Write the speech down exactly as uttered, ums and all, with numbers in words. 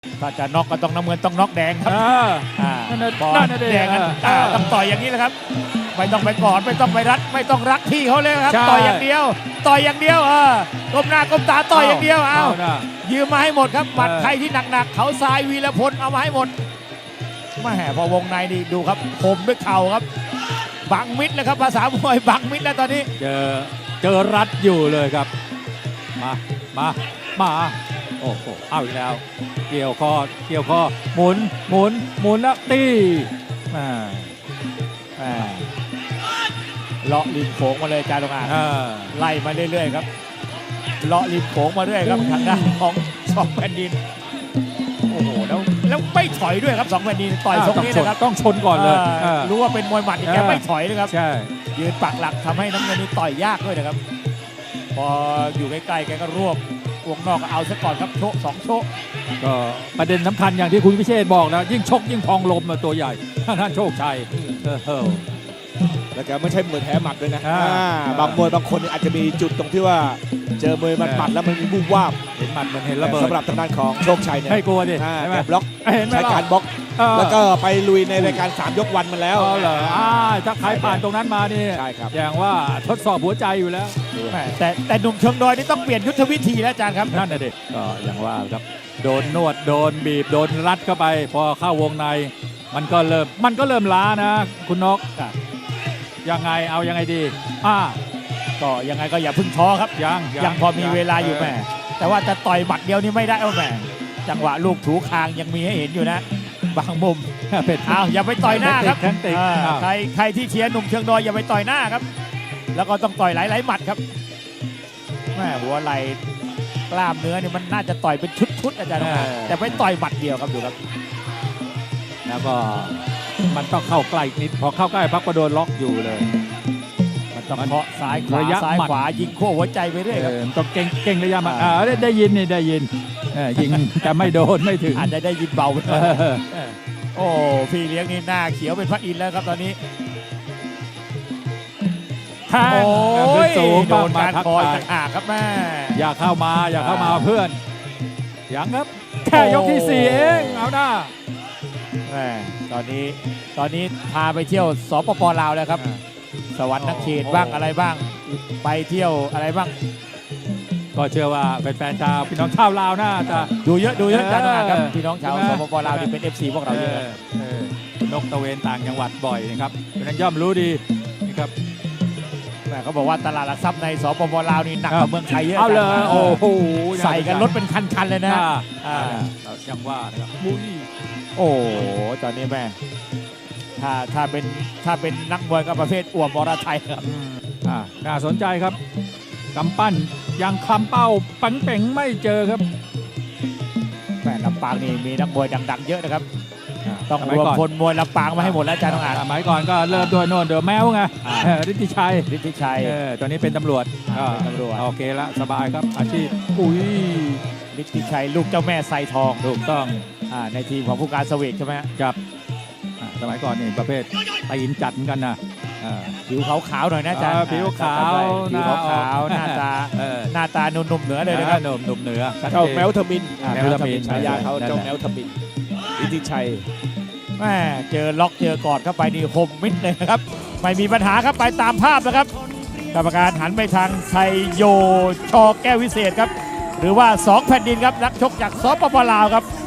ถ้าจะน็อกก็ต้องน้ำเงินต้องน็อกแดงครับอ่านั่นน่ะบอลนั่นน่ะดิแดงนั้นอ่าต้องต่อยอย่างนี้แหละครับไม่ต้องไปกอดไม่ต้องไปรัดไม่ต้องรักที่เขาเลยครับใช่ต่อยอย่างเดียว ต่อยอย่างเดียวเออก้มหน้าก้มตาต่อยอย่างเดียวเอานะยืมมาให้หมดครับหมัดเออใครที่หนักๆเขาทรายวีรพลเอามาให้หมดแม่พอวงในนี่ดูครับคมด้วยเข่าครับบังมิดเลยครับภาษามวยบังมิดแล้วตอนนี้เจอเจอรัดอยู่เลยครับมามามาโอ้โหเอาอีกแล้ว เกี่ยวคอเกี่ยวคอหมุนหมุนหมุนแล้วตีอ่าอ่าเลาะริมโขงมาเลยจารงอางอ่าไล่มาเรื่อยๆครับเลาะริมโขงมาเรื่อยครับทางด้านของสองแผ่นดินโอ้โหแล้วแล้วไม่ถอยด้วยครับสองแผ่นดินต่อยทรงนี้นะครับต้องชนก่อนเลยอ่าอ่ารู้ว่าเป็นมวยหมัดอีกแกเออไม่ถอยเลยครับใช่ยืนปักหลักทำให้น้ำเงินนี่ต่อยยากด้วยนะครับ พออยู่ใกล้ๆแกก็รวบวงนอกก็เอาซะก่อนครับโชกสองโชกก็ประเด็นสำคัญอย่างที่คุณพิเชษบอกนะยิ่งชกยิ่งพองลมอะตัวใหญ่ท่านโชคชัยเออเออแล้วแกไม่ใช่มวยแพ้หมัดด้วยนะอ่าอ่าบางมวยบางคนอาจจะมีจุดตรงที่ว่าเจอมวยหมัดๆแล้วมันมีบูบวาบเห็นหมัดเหมันเห็นระเบิดสำหรับทางด้านของโชคชัยเนี่ยไม่กลัวดิอ่าใช่ไหมแกบล็อกเห็นไหมใช้ล่ะการบล็อกเออแล้วก็ไปลุยในรายการสามยกวันมาแล้วอ๋อเหรออ่าถ้าใครผ่านตรงนั้นมานี่ใช่ครับอย่างว่าทดสอบหัวใจอยู่แล้วแหม่แต่แต่หนุ่มเชิงดอยนี่ต้องเปลี่ยนยุทธวิธีแล้วอาจารย์ครับนั่นน่ะดิก็อย่างว่าครับโดนนวดโดนบีบโดนรัดเข้าไป พอเข้าวงในมันก็เริ่มมันก็เริ่มล้านะ คุณนกครับยังไงเอายังไงดีอ่าก็ยังไงก็อย่าเพึ่งท้อครับยังยังพอมีเวลาอยู่แหม่แต่ว่าจะต่อยหมัดเดียวนี่ไม่ได้เอาแหม่จังหวะลูกถูคางยังมีให้เห็นอยู่นะ บางมุมเป็นเอาอย่าไปต่อยหน้าครับแทงติกอ่าอ้าวใครใครที่เชียร์หนุ่มเชียงดอยอย่าไปต่อยหน้าครับ แล้วก็ต้องต่อยหลายๆหมัดครับแม่หัวไหล่กล้ามเนื้อนี่มันน่าจะต่อยเป็นชุดๆอาจารย์ครับแต่ไปต่อยหมัดเดียวครับดูครับแล้วก็มันต้องเข้าใกล้นิดพอเข้าใกล้พักก็โดนล็อกอยู่เลยมันต้องเคาะซ้ายขวาระยะซ้ายหมัดขวายิงโค้หัวใจไปเรื่อยเอครับอต้องเก่งเก่งระยะมาอ่าได้ได้ยินนี่ได้ยินเออยิงจะไม่โดนไม่ถึงอาจจะได้ยินเบาไปหเอน่อยอเออโอ้พี่เลี้ยงนี่หน้าเขียวเป็นพระอินทร์แล้วครับตอนนี้แทงโอ้ยขึ้นสูงโดนมาการทักคอยทายต่างหากครับแม่อย่าเข้ามาอย่าเข้ามาเพื่อนยังครับ แค่ยกที่สี่เองเอาหน้าแม่ตอนนี้ตอนนี้พาไปเที่ยวสปปลาวแล้วครับ สวรรค์นักเขตบ้างอะไรบ้าง ไปเที่ยวอะไรบ้างก็เชื่อว่าแฟนๆชาวพี่น้องชาวลาวน่าจะดูเยอะดูเยอะเออจังนะครับพี่น้องชาวใช่ไหมสปปลาวนี่เป็น เอฟ ซี พวกเราเยอะเออเออคุณนกตะเวนต่างจังหวัดบ่อยนะครับเพราะฉะนั้นย่อมรู้ดีนะครับแม่เขาบอกว่าตลาดหลักทรัพย์ในสปปลาวนี่หนักกว่าเมืองไทยเยอะเอาเลยจังโอ้โหใส่กันรถเป็นคันๆเลยนะอ่าอ่าเรายังว่านะครับมุ้ยโอ้โหตอนนี้แม่ถ้าถ้าเป็นถ้าเป็นนักมวยก็ประเภทอ่วมอรไทยครับอืมอ่าน่าสนใจครับกำปั้นยังคลำเป้าปังเป่งไม่เจอครับแม่ลำปางนี่มีนักมวยดังๆเยอะนะครับอ่าต้องสรมัยวมก่อนคนมวยลำปางมาให้หมดแล้วอาจารย์ต้องอ่านสมัยก่อนก็เริ่มด้วยโน่นเดอะแมวไงอ่าเออฤทธิชัยฤทธิชัยเออตอนนี้เป็นตำรวจอ่าเป็นตำรวจโอเคละสบายครับอาชีพอุ้ยฤทธิชัยลูกเจ้าแม่ไซทองถูกต้องอ่าในทีมของผู้การเสวกใช่ไหมฮะจับอ่าสมัยก่อนนี่ประเภทตีนจัดเหมือนกันนะอ่าผิวขาวๆหน่อยนะอาจารย์อ่าผิวขาวผิวขาวๆหหน้าน้าตาเออหน้าตาหนุ่มๆเหนือเลยนะครับหนุ่มหนุ่มเหนือชัดเจ้าจนแมวทมินอ่าแมวทมินฉายาเขานั่นแหละเจ้าแมวทมินอิทธิชัยแม่เจอล็อกเจอกอดเข้าไปนี่คมมิดเลยนะครับไม่มีปัญหาครับไปตามภาพนะครับกรรมการหันไปทางชัยโยชอแก้ววิเศษครับหรือว่าสองแผ่นดินครับนักชกจากสปปลาวครับ